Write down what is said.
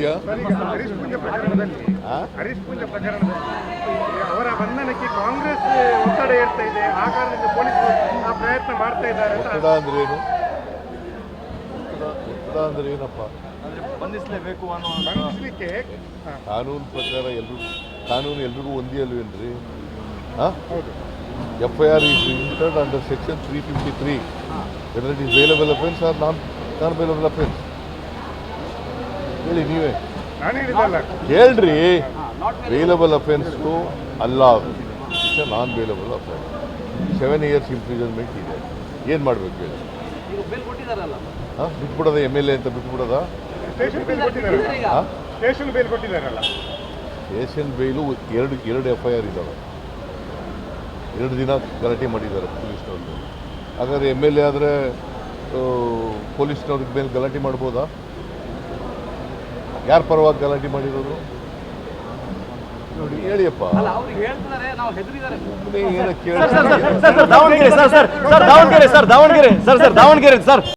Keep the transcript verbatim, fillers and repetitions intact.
ವಿಷಯ? ಹರೀಶ್ ಪೂಜೆ ಪ್ರಕರಣದಲ್ಲಿ ಹರೀಶ್ ಪೂಜೆ ಪ್ರಕರಣದಲ್ಲಿ ಅವರ ಬಂಧನಕ್ಕೆ ಕಾಂಗ್ರೆಸ್ ಒತ್ತಡ ಏರ್ತಾ ಇದೆ. ಆ ಕಾರಣದಿಂದ ಪೊಲೀಸರು ಆ ಪ್ರಯತ್ನ ಮಾಡ್ತಾ ಇದ್ದಾರೆ. ಒತ್ತಡ ಅಂದ್ರೆ ಏನು? ಒತ್ತಡ ಅಂದ್ರೆ ಏನಪ್ಪ? ಬಂಧಿಸಲೇಬೇಕು ಅನ್ನೋ ಬಂಧಿಸಲಿಕ್ಕೆ ಕಾನೂನು ಪ್ರಕಾರ ಎಲ್ರಿಗೂ ಕಾನೂನು ಎಲ್ರಿಗೂ ಒಂದೇ ಅಲ್ವೇನ್ರಿ? ಹೌದು. F I R is registered under section three fifty three whether it is bailable offence or non non bailable offence. ಹೇಳಿ ನೀವೇ ನಾನು ಹೇಳಿದಲ್ಲ. ಹೇಳ್ರಿ, ಬೇಲಬಲ್ ಅಫೆನ್ಸು ಅಲ್ಲ, it's a non bailable offence. Seven years imprisonment ಇದೆ. ಏನು ಮಾಡಬೇಕು ಹೇಳಿ? ಹಾಂ, ಬಿಟ್ಬಿಡೋದ ಎಮ್ ಎಲ್ ಎ ಅಂತ ಬಿಟ್ಬಿಡೋದ? ಸ್ಟೇಷನ್ ಬೇಲ್ ಕೊಟ್ಟಿದ್ದಾರಲ್ಲ. ಹಾಂ, ಸ್ಟೇಷನ್ ಬೇಲ್ ಕೊಟ್ಟಿದ್ದಾರಲ್ಲ. ಸ್ಟೇಷನ್ ಬೇಲು ಎರಡು ಎರಡು ಎಫ್ ಐ ಆರ್ ಇದ್ದಾವೆ. ಎರಡು ದಿನ ಗಲಾಟೆ ಮಾಡಿದ್ದಾರೆ ಪೊಲೀಸ್ನವ್ರಿಗೆ. ಹಾಗಾದರೆ ಎಮ್ ಎಲ್ ಎ ಆದರೆ ಪೊಲೀಸ್ನವ್ರಿಗೆ ಮೇಲೆ ಗಲಾಟೆ ಮಾಡ್ಬೋದಾ? ಯಾರ ಪರವಾಗಿ ಗಲಾಟೆ ಮಾಡಿರೋರು ನೋಡಿ ಹೇಳಿಯಪ್ಪ. Davanagere sir sir Davanagere sir Davanagere sir sir Davanagere sir